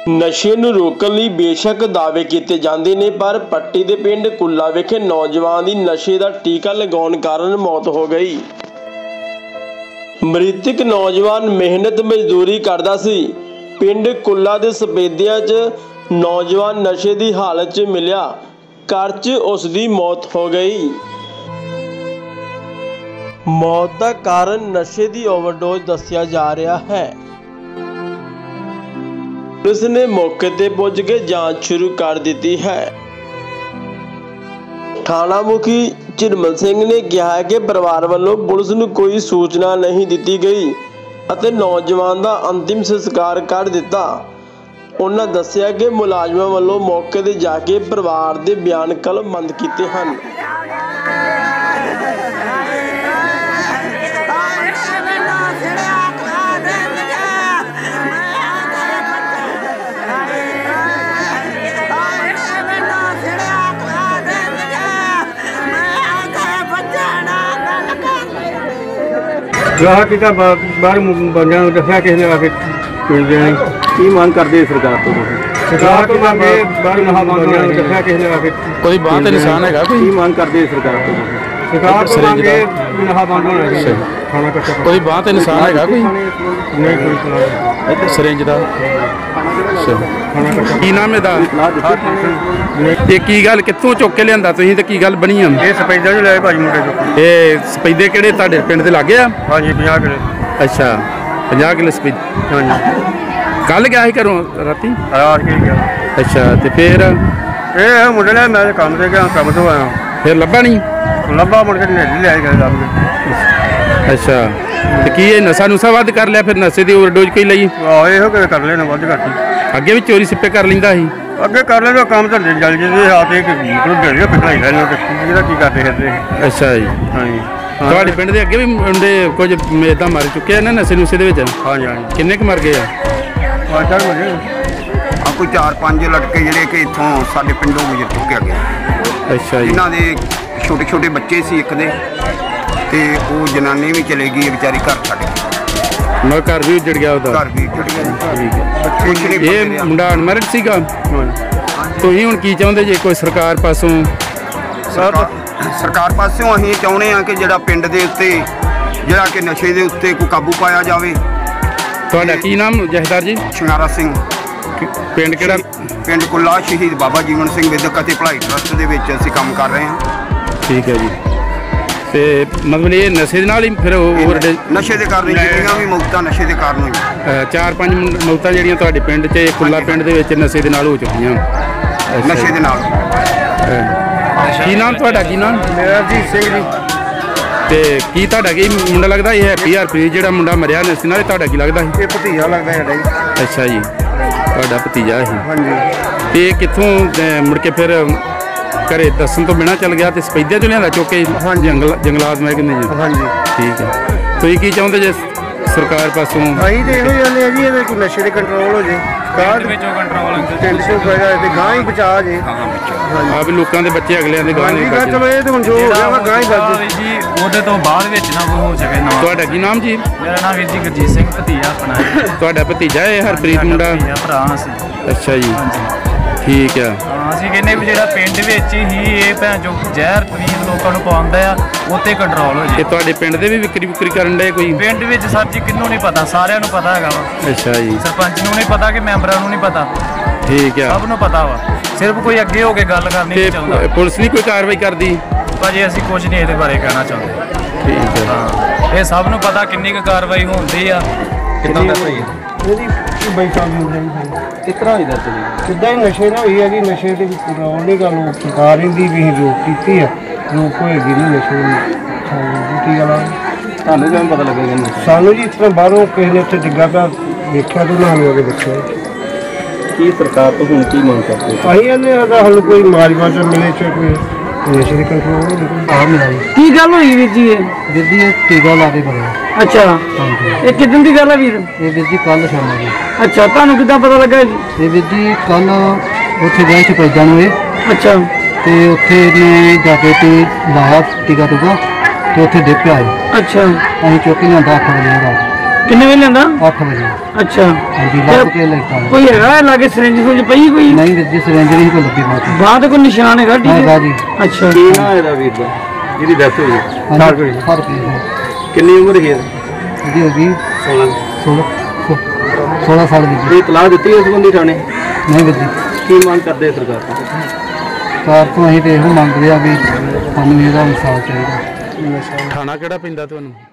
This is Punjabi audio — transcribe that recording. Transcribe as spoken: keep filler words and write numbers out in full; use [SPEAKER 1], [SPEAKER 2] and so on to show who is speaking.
[SPEAKER 1] नशे नूं रोकण लई बेशक दावे कीते जांदे ने, पर पट्टी दे पिंड कुल्ला विखे नौजवान दी नशे दा टीका लगाउण कारण मौत हो गई। मृतक नौजवान मेहनत मजदूरी करदा सी। पिंड कुल्ला दे सपेदिया च नौजवान नशे दी हालत च मिलिया, घर च उसदी मौत हो गई। मौत दा कारण नशे दी ओवरडोज दस्सिया जा रहा है। पुलिस ने मौके ते पुज के जांच शुरू कर दी है। थाना मुखी झिरमल सिंह ने कहा है कि परिवार वालों पुलिस नूं कोई सूचना नहीं दी गई और नौजवान का अंतिम संस्कार कर दिता। उन्होंने दस्सिया कि मुलाजमां वालों मौके ते जाके परिवार के बयान कलमबंद किए हैं।
[SPEAKER 2] राह टीका बाहर बंदियां नूं दस्सिया किसी ने आके पिंड देनी की मांग करदे सरकार तो सरकार तो मंगे बाहर बंदियां नूं दस्सिया किसी ने आके
[SPEAKER 3] कोई बात निशान है
[SPEAKER 2] की मांग करदे सरकार तो सरकार तो मंगे नहा बंद होना चाहिए। खाना कच्चा
[SPEAKER 3] कोई बात निशान है कोई
[SPEAKER 2] नहीं कोई सुना
[SPEAKER 3] सरेंज दा
[SPEAKER 2] खाना कच्चा
[SPEAKER 3] की नाम है दा ये की गल कित्थों चुक के लियांदा तुसीं ते की गल बनी है
[SPEAKER 2] ये सपैदा जो लाए भाई मुंडे चुक
[SPEAKER 3] ये सपैदे किहड़े तुहाडे पिंड दे लागे आ?
[SPEAKER 2] हाँ जी पचास किलो।
[SPEAKER 3] अच्छा पचास किलो सपैदे।
[SPEAKER 2] हाँ जी
[SPEAKER 3] कल गया ही घरों राती
[SPEAKER 2] रात के गया।
[SPEAKER 3] अच्छा तो फिर
[SPEAKER 2] ये मुंडे ने मैं काम से गया काम तो आया
[SPEAKER 3] फिर लब्भा नहीं
[SPEAKER 2] लब्भा मुड़ के नेड़ी लिया गया लभ के।
[SPEAKER 3] अच्छा तो की ये नशा नुशा वध कर लिया फिर नशे की ओवरडोज कोई लई?
[SPEAKER 2] आहो इहो कि कर लेना वध करती
[SPEAKER 3] अगे भी चोरी सिप्पे कर लिंदा सी
[SPEAKER 2] अगे कर लेना काम धंधे जल जे हाथ एक ढेड़ी पिटाई लेना की करते फिरते।
[SPEAKER 3] अच्छा जी
[SPEAKER 2] हाँ जी
[SPEAKER 3] ਤੁਹਾਡੇ ਪਿੰਡ ਦੇ ਅੱਗੇ ਵੀ ਮੁੰਡੇ ਕੁਝ ਇਦਾਂ ਮਰ ਚੁੱਕੇ ਆ ਨਾ ਨਸ਼ੇ ਨੁਸ਼ੇ ਦੇ ਵਿੱਚ?
[SPEAKER 2] हाँ जी हाँ जी
[SPEAKER 3] ਕਿੰਨੇ ਕੁ ਮਰ ਗਏ ਆ?
[SPEAKER 2] पाँच चार बजे
[SPEAKER 4] ਆ ਕੋਈ ਚਾਰ ਪੰਜ ਲੜਕੇ ਜਿਹੜੇ ਕਿ ਇੱਥੋਂ ਸਾਡੇ ਪਿੰਡੋਂ ਗੁਜ਼ਰ ਚੁੱਕੇ ਗਏ,
[SPEAKER 3] ਅੱਛਾ ਜੀ
[SPEAKER 4] ਜਿਨ੍ਹਾਂ ਦੇ ਛੋਟੇ ਛੋਟੇ ਬੱਚੇ ਸੀ ਇੱਕ ਦੇ, ਤੇ ਉਹ ਜਨਾਨੀ ਵੀ ਚਲੇ ਗਈ ਵਿਚਾਰੀ ਘਰ ਛੱਡ ਕੇ।
[SPEAKER 3] ਮੈਂ ਘਰ ਵੀ ਉੱਜੜ ਗਿਆ ਉਹਦਾ?
[SPEAKER 4] ਘਰ ਵੀ ਉੱਜੜ ਗਿਆ।
[SPEAKER 3] ਠੀਕ ਹੈ।
[SPEAKER 4] ਕੁਛ ਨਹੀਂ ਬਚ
[SPEAKER 3] ਇਹ
[SPEAKER 4] ਰਿਹਾ।
[SPEAKER 3] ਮੁੰਡਾ ਅਨਮੈਰਿਡ ਸੀਗਾ? ਤੁਸੀਂ ਹੁਣ ਕੀ ਚਾਹੁੰਦੇ ਜੇ ਕੋਈ ਸਰਕਾਰ ਪਾਸੋਂ?
[SPEAKER 4] ਸਰਕਾਰ ਸਰਕਾਰ ਪਾਸਿਓਂ ਅਸੀਂ ਚਾਹੁੰਦੇ ਹਾਂ ਕਿ ਜਿਹੜਾ ਪਿੰਡ ਦੇ ਉੱਤੇ ਜਿਹੜਾ ਕਿ ਨਸ਼ੇ ਦੇ ਉੱਤੇ ਕੋਈ ਕਾਬੂ ਪਾਇਆ ਜਾਵੇ।
[SPEAKER 3] ਤੁਹਾਡਾ ਕੀ ਨਾਮ ਜਹਦਾਰ ਜੀ?
[SPEAKER 4] ਸ਼ਿੰਗਾਰਾ ਸਿੰਘ।
[SPEAKER 3] ਪਿੰਡ ਕਿਹੜਾ?
[SPEAKER 4] ਪਿੰਡ ਕੁੱਲਾ ਸ਼ਹੀਦ ਬਾਬਾ ਜੀਵਨ ਸਿੰਘ ਵਿਦਿਅਕ ਅਤੇ ਭਲਾਈ ਟਰੱਸਟ ਦੇ ਵਿੱਚ ਅਸੀਂ ਕੰਮ ਕਰ ਰਹੇ ਹਾਂ।
[SPEAKER 3] ਠੀਕ ਹੈ ਜੀ। ਤੇ ਮਤਲਬ ਇਹ ਨਸ਼ੇ ਦੇ ਨਾਲ ਹੀ ਫਿਰ ਹੋਰ
[SPEAKER 4] ਨਸ਼ੇ ਦੇ ਕਾਰਨ ਜਿਹੜੀਆਂ ਵੀ ਮੌਤਾਂ ਨਸ਼ੇ ਦੇ ਕਾਰਨ ਹੋਈਆਂ।
[SPEAKER 3] ਚਾਰ ਪੰਜ ਮੌਤਾਂ ਜਿਹੜੀਆਂ ਤੁਹਾਡੇ ਪਿੰਡ 'ਚ ਕੁੱਲਾ ਪਿੰਡ ਦੇ ਵਿੱਚ ਨਸ਼ੇ ਦੇ ਨਾਲ ਹੋ ਚੁੱਕੀਆਂ?
[SPEAKER 4] ਨਸ਼ੇ ਦੇ ਨਾਲ।
[SPEAKER 3] ਕੀ ਨਾਮ ਤੁਹਾਡਾ? ਕੀ ਨਾਮ?
[SPEAKER 2] मेरा जी सिंह जी।
[SPEAKER 3] ਤੇ ਕੀ ਤੁਹਾਡਾ ਕੀ ਮੁੰਡਾ ਲੱਗਦਾ ਇਹ ਹੈਪੀ ਹਰਪ੍ਰੀਤ ਜਿਹੜਾ ਮੁੰਡਾ ਮਰਿਆ ਨਸ਼ੇ ਨਾਲ, ਤੁਹਾਡਾ ਕੀ ਲੱਗਦਾ ਸੀ?
[SPEAKER 2] ये भतीजा लगता है जी।
[SPEAKER 3] ਅੱਛਾ ਜੀ ਤੁਹਾਡਾ ਭਤੀਜਾ ਸੀ।
[SPEAKER 2] हाँ जी
[SPEAKER 3] ਤੇ ਇਹ ਕਿੱਥੋਂ ਅਹ, ਮੁੜ ਕੇ ਫਿਰ ਘਰੇ ਦੱਸਣ ਤੋਂ ਬਿਨਾਂ ਚੱਲ ਗਿਆ ਤੇ ਸਪੈਦਿਆਂ ਚੋਂ ਲਿਆਂਦਾ ਚੁੱਕ ਕੇ?
[SPEAKER 2] हाँ जी
[SPEAKER 3] ਜੰਗਲ ਜੰਗਲਾਤ ਮੈਂ ਕਹਿੰਦੇ ਜੀ।
[SPEAKER 2] हाँ जी
[SPEAKER 3] ਠੀਕ ਹੈ। ਤੁਸੀਂ ਕੀ ਚਾਹੁੰਦੇ ਜੇ ਸਰਕਾਰ ਪਾਸੋਂ?
[SPEAKER 2] ਅਸੀਂ ਤੇ ਇਹੋ ਜਾਂਦੇ ਆ ਜੀ ਇਹਦੇ ਕੋਈ ਨਸ਼ੇ ਦੇ ਕੰਟਰੋਲ ਹੋ ਜੇ ਕਾਹ ਵਿੱਚੋਂ ਕੰਟਰੋਲ ਪਿੰਡ ਚੋਂ ਫਾਇਦਾ ਤੇ ਗਾਂ ਹੀ ਬਚਾ ਜੇ।
[SPEAKER 3] ਆ ਵੀ ਲੋਕਾਂ ਦੇ ਬੱਚੇ ਅਗਲਿਆਂ ਦੇ ਗਾਂ ਨਹੀਂ
[SPEAKER 2] ਚਲੋ ਇਹ ਤੇ ਹੁਣ ਜੋ ਹੋ ਗਿਆ ਵਾ ਗਾਂ ਹੀ ਬਚ
[SPEAKER 5] ਜੀ ਉਹਦੇ ਤੋਂ ਬਾਅਦ ਵਿੱਚ ਨਾ ਕੋਈ ਹੋ ਸਕੇ ਨਾ।
[SPEAKER 3] ਤੁਹਾਡਾ ਕੀ ਨਾਮ ਜੀ?
[SPEAKER 5] ਮੇਰਾ ਨਾਮ ਵੀਰ ਜੀ ਗੁਰਜੀਤ ਸਿੰਘ ਭਤੀਜਾ ਆਪਣਾ।
[SPEAKER 3] ਤੁਹਾਡਾ ਭਤੀਜਾ ਇਹ ਹਰਪ੍ਰੀਤ ਮੁੰਡਾ?
[SPEAKER 5] ਭਤੀਜਾ ਭਰਾ ਅਸੀਂ।
[SPEAKER 3] ਅੱਛਾ ਜੀ
[SPEAKER 5] ਹਾਂਜੀ
[SPEAKER 3] ਠੀਕ ਆ।
[SPEAKER 5] ਹਾਂ ਅਸੀਂ ਕਹਿੰਦੇ ਵੀ ਜਿਹੜਾ ਪਿੰਡ ਵਿੱਚ ਹੀ ਇਹ ਭੈਣ ਜੋ ਜ਼ਹਿਰ ਤਵੀਜ਼ ਲੋਕਾਂ ਨੂੰ ਪਵਾਉਂਦਾ ਆ ਉੱਤੇ ਕੰਟਰੋਲ ਹੋ
[SPEAKER 3] ਤੇ
[SPEAKER 5] ਜੇ।
[SPEAKER 3] ਤੁਹਾਡੇ ਪਿੰਡ ਦੇ ਵੀ ਵਿਕਰੀ ਵਿਕਰੀ ਕਰਨ ਦੇ ਕੋਈ?
[SPEAKER 5] ਪਿੰਡ ਵਿੱਚ ਸਰ ਜੀ ਕਿਹਨੂੰ ਨਹੀਂ ਪਤਾ, ਸਾਰਿਆਂ ਨੂੰ ਪਤਾ ਹੈਗਾ ਵਾ।
[SPEAKER 3] ਅੱਛਾ ਜੀ
[SPEAKER 5] ਸਰਪੰਚ ਨੂੰ ਨਹੀਂ ਪਤਾ ਕਿ ਮੈਂਬਰਾਂ ਨੂੰ ਨਹੀਂ ਪਤਾ,
[SPEAKER 3] ਠੀਕ ਆ।
[SPEAKER 5] ਸਭ ਨੂੰ ਪਤਾ ਵਾ। ਸਿਰਫ ਕੋਈ ਅੱਗੇ ਹੋ ਕੇ ਗੱਲ ਕਰਨੀ
[SPEAKER 3] ਤੇ
[SPEAKER 5] ਨਹੀਂ ਚਾਹੁੰਦਾ।
[SPEAKER 3] ਪੁਲਿਸ ਨਹੀਂ ਕੋਈ ਕਾਰਵਾਈ ਕਰਦੀ?
[SPEAKER 5] ਭਾਜੀ ਅਸੀਂ ਕੁਝ ਨਹੀਂ ਇਹਦੇ ਬਾਰੇ ਕਹਿਣਾ ਚਾਹੁੰਦੇ।
[SPEAKER 3] ਠੀਕ ਹੈ।
[SPEAKER 5] ਹਾਂ ਇਹ ਸਭ ਨੂੰ ਪਤਾ ਕਿੰਨੀ ਕੁ ਕਾਰਵਾਈ ਹੁੰਦੀ ਆ। ਕਿੱਦਾਂ ਦਾ ਸਹੀ
[SPEAKER 2] ਇਹਦੀ ਬਾਈ ਸਾਹਿਬ ਨੂੰ ਜਾਈ
[SPEAKER 3] ਕਿਸ ਤਰ੍ਹਾਂ ਇਹਦਾ ਚੱਲੀ?
[SPEAKER 2] ਸਿੱਧਾ ਹੀ ਨਸ਼ੇ ਨਾਲ ਹੋਈ ਹੈ ਜੀ। ਨਸ਼ੇ ਦੇ ਵਿੱਚ ਕੰਟਰੋਲ ਨਹੀਂ ਗੱਲ ਉਹ ਸਰਕਾਰ ਦੀ ਵੀ ਅਸੀਂ ਰੋਕ ਕੀਤੀ ਆ, ਰੋਕ ਹੋਏਗੀ ਨਹੀਂ ਨਸ਼ੇ ਦੀ। ਕੀ ਗੱਲ ਆ
[SPEAKER 3] ਤੁਹਾਨੂੰ ਕਿਵੇਂ ਪਤਾ ਲੱਗੇਗਾ?
[SPEAKER 2] ਸਾਨੂੰ ਜੀ ਇਸ ਤਰ੍ਹਾਂ ਬਾਹਰੋਂ ਕਿਸੇ ਨੇ ਉੱਥੇ ਡਿੱਗਾ ਪਿਆ ਵੇਖਿਆ ਤੇ ਉਹਨਾਂ ਨੂੰ ਅੱਗੇ ਦੇਖਿਆ।
[SPEAKER 3] ਕੀ ਸਰਕਾਰ ਤੋਂ ਹੁਣ ਕੀ ਮੰਗ ਕਰਦੇ?
[SPEAKER 2] ਅਸੀਂ ਇਹਨੇ ਸਾਡਾ ਹੱਲ ਕੋਈ ਮਾਜਵਾ ਚ ਮਿਲੇ ਚ ਕੋਈ ਨਸ਼ੇ ਦੇ ਕੰਟਰੋਲ ਨਹੀਂ ਕੋਈ ਆ ਮਿਲਾ।
[SPEAKER 6] ਕੀ ਗੱਲ ਹੋਈ ਵੀਰ ਜੀ? ਇਹ
[SPEAKER 2] ਵੀਰ ਜੀ ਇਹ ਟੀਕਾ ਲਾ ਕੇ ਕਰਿਆ।
[SPEAKER 6] ਅੱਛਾ ਇਹ ਕਿਦਾਂ ਦੀ ਗੱਲ ਹੈ ਵੀਰ?
[SPEAKER 2] ਇਹ ਵੀਰ ਜੀ ਕੱਲ ਸ਼ਾਮ ਨੂੰ।
[SPEAKER 6] ਅੱਛਾ ਤੁਹਾਨੂੰ ਕਿੱਦਾਂ ਪਤਾ ਲੱਗਾ ਜੀ?
[SPEAKER 2] ਇਹ ਵੀਰ ਜੀ ਕੱਲ ਉੱਥੇ ਗਏ ਸੀ ਪੈਦਾਂ ਨੂੰ ਇਹ।
[SPEAKER 6] ਅੱਛਾ
[SPEAKER 2] ਤੇ ਉੱਥੇ ਇਹਨੇ ਜਾ ਕੇ ਤੇ ਲਾਇਆ ਟੀਕਾ ਟੂਕਾ ਤੇ ਉੱਥੇ ਡਿੱਗ ਪਿਆ।
[SPEAKER 6] ਅੱਛਾ
[SPEAKER 2] ਅਸੀਂ ਚੁੱਕ ਲਿਆਂਦਾ ਅੱਠ ਵਜੇ ਰਾਤ।
[SPEAKER 6] ਕਿੰਨੇ ਵੇ ਲੈਂਦਾ?
[SPEAKER 7] ਅੱਠ ਵਜੇ।
[SPEAKER 6] ਅੱਛਾ
[SPEAKER 7] ਹਾਂਜੀ ਲੱਗ ਕੇ ਲੈਟਾ।
[SPEAKER 6] ਕੋਈ ਹੈਗਾ ਲਾਗੇ ਸਿਰੰਜ ਸੁਰੰਜ ਪਈ ਕੋਈ?
[SPEAKER 7] ਨਹੀਂ ਵੀਰ ਜੀ ਸਿਰੰਜ ਨਹੀਂ ਕੋਈ ਲੱਗੀ ਬਾਤ।
[SPEAKER 6] ਬਾਅਦ ਕੋਈ ਨਿਸ਼ਾਨ ਹੈਗਾ? ਠੀਕ
[SPEAKER 7] ਹੈਗਾ
[SPEAKER 6] ਹੈ
[SPEAKER 7] ਜੀ।
[SPEAKER 6] ਅੱਛਾ
[SPEAKER 2] ਕੀ ਨਾਂ ਇਹਦਾ ਵੀਰ ਦਾ ਜਿਹਦੀ ਡੈਥ ਹੋਈ?
[SPEAKER 7] ਹਾਂਜੀ ਫਰਕ
[SPEAKER 2] ਕਿੰਨੀ ਉਮਰ ਹੈ
[SPEAKER 7] ਇਹਦੀ ਹੋ ਗਈ ਸੋਲਾਂ ਸੋਲਾਂ ਸਾਲ ਦੀ।
[SPEAKER 2] ਇਹ ਤਲਾਹ ਦਿੱਤੀ ਇਸ ਬੰਦੀ ਥਾਣੇ?
[SPEAKER 7] ਨਹੀਂ ਵੀਰ ਜੀ।
[SPEAKER 2] ਕੀ ਮੰਗ ਕਰਦੇ ਸਰਕਾਰ ਤੋਂ?
[SPEAKER 7] ਸਰਕਾਰ ਤੋਂ ਅਸੀਂ ਤੇ ਇਹੋ ਮੰਗਦੇ ਆ ਵੀ ਸਾਨੂੰ ਇਹਦਾ ਇਨਸਾਫ ਚਾਹੀਦਾ।
[SPEAKER 3] ਥਾਣਾ ਕਿਹੜਾ ਪੈਂਦਾ ਤੁਹਾਨੂੰ?